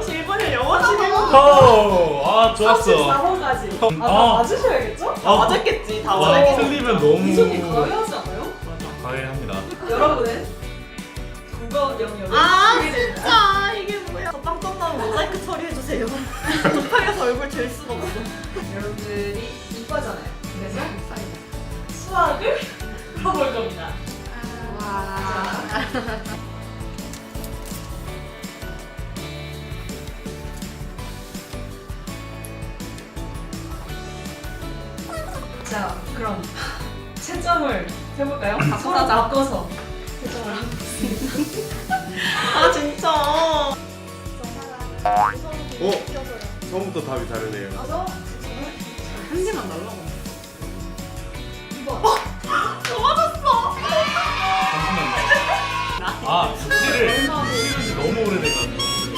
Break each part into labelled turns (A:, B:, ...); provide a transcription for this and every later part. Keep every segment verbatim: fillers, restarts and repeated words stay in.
A: 삼십일 분을 영어 십일 분.
B: 어, 아 좋았어.
A: 삼십사 번까지. 아, 다
B: 아.
A: 맞으셔야겠죠? 다
B: 아.
A: 맞았겠지. 다
B: 와,
A: 맞았겠지.
B: 틀리면 너무
A: 이속이 가능하지 않아요?
B: 과외합니다.
A: 여러분은 국어 영역을
C: 아,
A: 보게 됩니다.
C: 진짜 이게 뭐야? 저 빵점 나면 모자이크 처리해주세요. 급하게서 얼굴 잴 수가 없어.
A: 여러분들이 이과잖아요. 그래서 수학을 풀어볼 겁니다.
C: 와.
A: 자, 그럼 채점을 해볼까요? 서로 바꿔서 채점을 해보겠습니다.
C: 아 진짜.
D: 어? 처음부터 답이 다르네요.
A: 가서
C: 한 개만 날라고.
A: 이 번.
B: 잠시만요. 아 숙제를 숙제를 지 너무 오래돼가지고.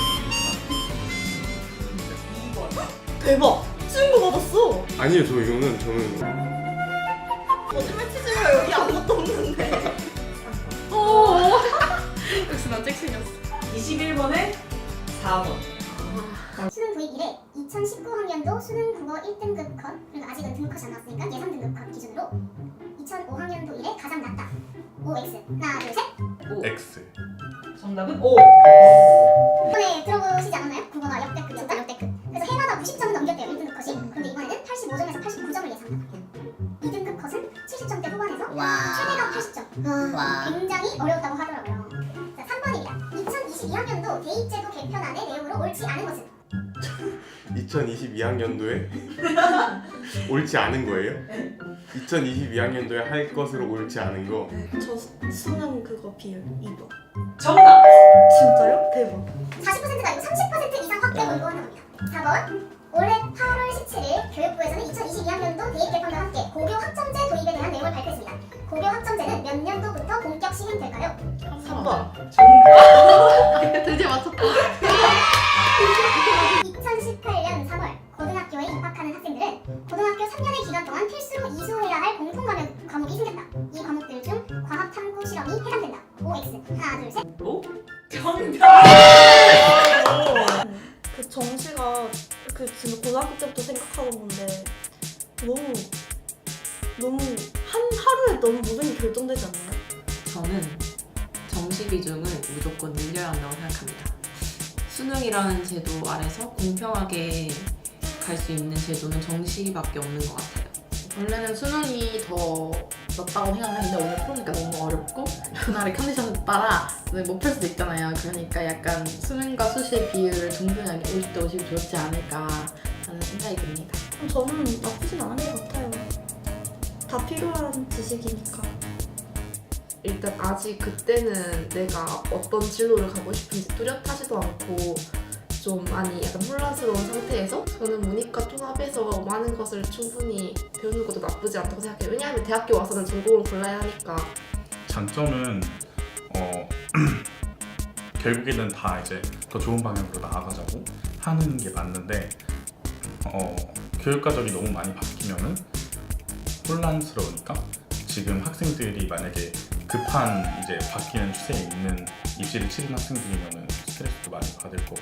A: 이 번.
C: 대박. 친구 받았어.
D: 아니요, 저 이거는 저는
C: 거짓말 치지 마. 여기 아무것도 없는데. 어. 역시 난 잭슨이었어.
A: 이십일 번에 사 번.
E: 수능 도입 이래 이천십구 학년도 수능 국어 일 등급 컷, 그러니까 아직은 등급컷이 안 나왔으니까 예상 등급 컷 기준으로 이천오 학년도 이래 가장 낮다. 오 엑스. 하나, 둘, 셋.
A: 오.
B: X.
A: 정답은 오.
E: 이번에 들어보시지 않았나요? 국어가 역대급이었다. 역대급. 그래서 해마다 구십 점은 넘겼대요. 일 등급 컷이. 근데 이번에는 팔십오 점에서 팔십구 점을 예상한다. 이 등급 컷은 칠십 점대 후반에서 최대가 팔십 점.
C: 와.
E: 굉장히 어려웠다고 하더라고요. 자, 삼 번입니다. 이천이십이 학년도 대입제도 개편안의 내용으로 옳지 않은 것은?
D: 이천이십이 학년도에 옳지 않은 거예요? 이천이십이 학년도에 할 것으로 옳지 않은 거.
C: 저 수능 그거 비율 이 번.
A: 정답.
C: 진짜요? 대박.
E: 사십 퍼센트가 아니고 삼십 퍼센트 이상 확대 권고한다고 합니다. 사 번. 올해 팔월 십칠일 교육부에서는 이천이십이 학년도 대입 개편과 함께 고교 학점제 도입에 대한 내용을 발표했습니다. 고교 학점제는 몇 년도부터 본격 시행될까요?
C: 삼 번.
A: 정답.
C: 드디어 맞췄다.
E: 이천십팔 년 삼월 고등학교에 입학하는 학생들은 고등학교 삼 년의 기간 동안 필수로 이수해야 할 공통 과목, 과목이 생겼다. 이 과목들 중 과학 탐구 실험이 해당된다. 오 엑스. 하나, 둘, 셋.
A: 오. 정답.
C: 그 정시가 그 진짜 고등학교 때부터 생각하던 건데 너무 너무 한 하루에 너무 모든 게 결정되지 않나요?
F: 저는 정시 비중을 무조건 늘려야 한다고 생각합니다. 수능이라는 제도 아래서 공평하게 갈 수 있는 제도는 정시밖에 없는 것 같아요.
G: 원래는 수능이 더 낫다고 생각했는데 오늘 풀으니까 너무 어렵고 그날의 컨디션에 따라 못 풀 수도 있잖아요. 그러니까 약간 수능과 수시의 비율을 동등하게 오십 대 오십이 좋지 않을까 하는 생각이 듭니다.
C: 저는 나쁘진 않은 것 같아요. 다 필요한 지식이니까.
G: 일단 아직 그때는 내가 어떤 진로를 가고 싶은지 뚜렷하지도 않고 좀 많이 약간 혼란스러운 상태에서 저는 문이과 통합해서 많은 것을 충분히 배우는 것도 나쁘지 않다고 생각해요. 왜냐하면 대학교 와서는 전공을 골라야 하니까.
B: 장점은 어 결국에는 다 이제 더 좋은 방향으로 나아가자고 하는 게 맞는데 어 교육과정이 너무 많이 바뀌면은 혼란스러우니까 지금 학생들이 만약에 급한 이제 바뀌는 추세에 있는 입시를 치른 학생들이면은 스트레스도 많이 받을 거고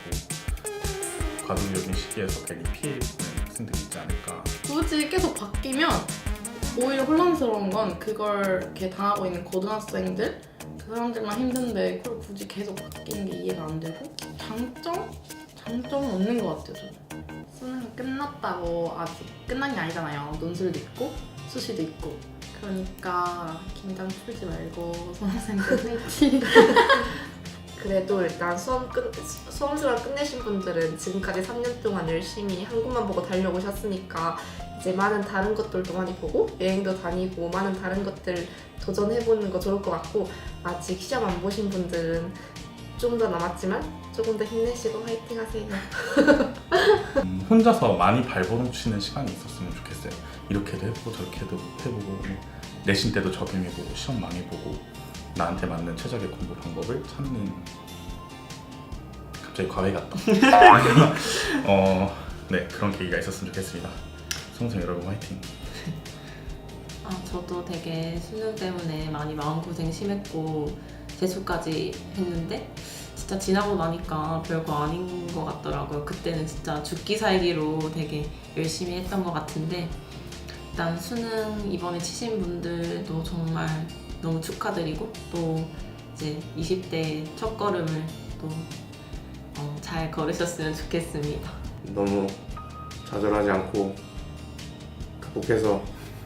B: 과도기적인 시기에서 괜히 피해 보는 학생들이 있지 않을까.
G: 굳이 계속 바뀌면 오히려 혼란스러운 건 그걸 이렇게 당하고 있는 고등학생들 그 사람들만 힘든데 그걸 굳이 계속 바뀌는 게 이해가 안 되고 장점? 장점은 없는 것 같아요. 저는 수능이 끝났다고 아직 끝난 게 아니잖아요. 논술도 있고 수시도 있고 그러니까 긴장 풀지 말고 수험생들 화이팅.
H: 그래도 일단 수험 끝, 수험생활 끝내신 분들은 지금까지 삼 년 동안 열심히 한 곳만 보고 달려오셨으니까 이제 많은 다른 것들도 많이 보고 여행도 다니고 많은 다른 것들 도전해보는 거 좋을 것 같고 아직 시험 안 보신 분들은 좀 더 남았지만 조금 더 힘내시고 화이팅 하세요.
B: 음, 혼자서 많이 발버둥치는 시간이 있었으면 좋겠어요. 이렇게도 해보고 저렇게도 해보고 내신 때도 적용해보고 시험 많이 보고 나한테 맞는 최적의 공부 방법을 찾는. 갑자기 과외 같다. 어, 네, 그런 계기가 있었으면 좋겠습니다. 수험생 여러분 화이팅.
F: 아, 저도 되게 수능 때문에 많이 마음고생 심했고 재수까지 했는데 진짜 진짜 지나고 나니까 별거 아닌 것 같더라고요. 그때는 진짜 죽기 살기로 되게 열심히 했던 것 같은데 일단 수능 이번에 치신 분들도 정말 너무 축하드리고 또 이제 이십 대 첫 걸음을 또 잘 걸으셨으면 좋겠습니다.
D: 너무 좌절하지 않고 극복해서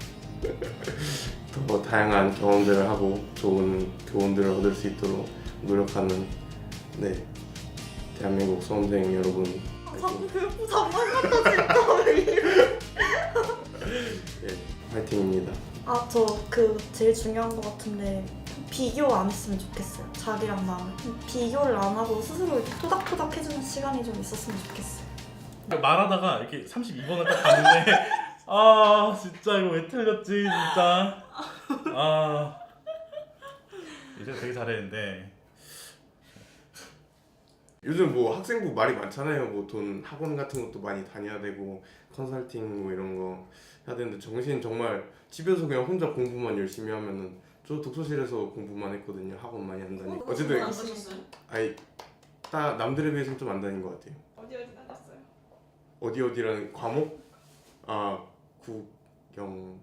D: 더 다양한 경험들을 하고 좋은 교훈들을 얻을 수 있도록 노력하는 네 대한민국 수험생 여러분
C: 자꾸 교육부 장관 같다 진짜 왜 이래.
D: 네, 화이팅입니다.
C: 아, 저 그 제일 중요한 것 같은데 비교 안 했으면 좋겠어요. 자기랑 나는 비교를 안 하고 스스로 이렇게 토닥토닥 해주는 시간이 좀 있었으면 좋겠어요.
B: 그러니까 말하다가 이렇게 삼십이 번을 딱 봤는데 아 진짜 이거 왜 틀렸지 진짜. 아 이제 되게 잘했는데
D: 요즘 뭐 학생부 말이 많잖아요. 뭐 돈 학원 같은 것도 많이 다녀야 되고 컨설팅 뭐 이런 거 해야 되는데 정신 정말 집에서 그냥 혼자 공부만 열심히 하면은 저 독서실에서 공부만 했거든요. 학원 많이 안 다니고 어쨌든
A: 안 가셨어요?
D: 아니 딱 남들에 비해서는 좀 안 다닌 것 같아요.
A: 어디 어디 다녔어요?
D: 어디 어디라는 과목? 아 국영